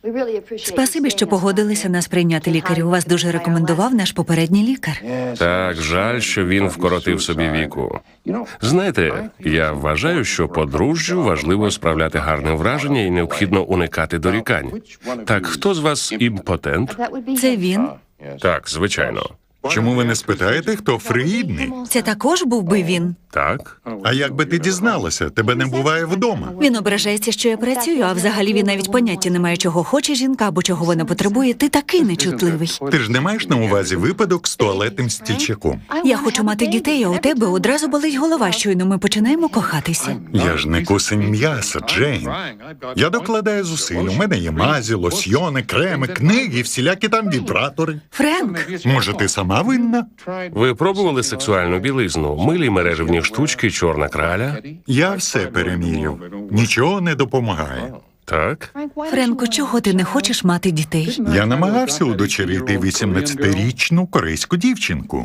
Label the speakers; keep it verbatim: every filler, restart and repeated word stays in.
Speaker 1: Спасибі, що погодилися нас прийняти, лікарю. Вас дуже рекомендував наш попередній лікар.
Speaker 2: Так, жаль, що він вкоротив собі віку. Знаєте, я вважаю, що подружжю важливо справляти гарне враження і необхідно уникати дорікань. Так, хто з вас імпотент?
Speaker 1: Це він.
Speaker 2: Так, звичайно.
Speaker 3: Чому ви не спитаєте, хто фригідний?
Speaker 1: Це також був би він.
Speaker 2: Так?
Speaker 3: А як би ти дізналася? Тебе не буває вдома.
Speaker 1: Він ображається, що я працюю, а взагалі він навіть поняття не має, чого хоче жінка або чого вона потребує. Ти такий нечутливий.
Speaker 3: Ти ж не маєш на увазі випадок з туалетним стільчаком.
Speaker 1: Я хочу мати дітей, а у тебе одразу болить голова, щойно ми починаємо кохатися.
Speaker 3: Я ж не кусень м'яса, Джейн. Я докладаю зусиль. У мене є мазі, лосьйони, креми, книги, всілякі там вібратори.
Speaker 1: Френк,
Speaker 3: Може, ти сама винна?
Speaker 2: Ви пробували сексуальну білизну, милі мережевні штучки, чорна краля?
Speaker 3: Я все переміряв. Нічого не допомагає.
Speaker 2: Так?
Speaker 1: Френку, чого ти не хочеш мати дітей?
Speaker 3: Я намагався удочерити вісімнадцятирічну корейську дівчинку.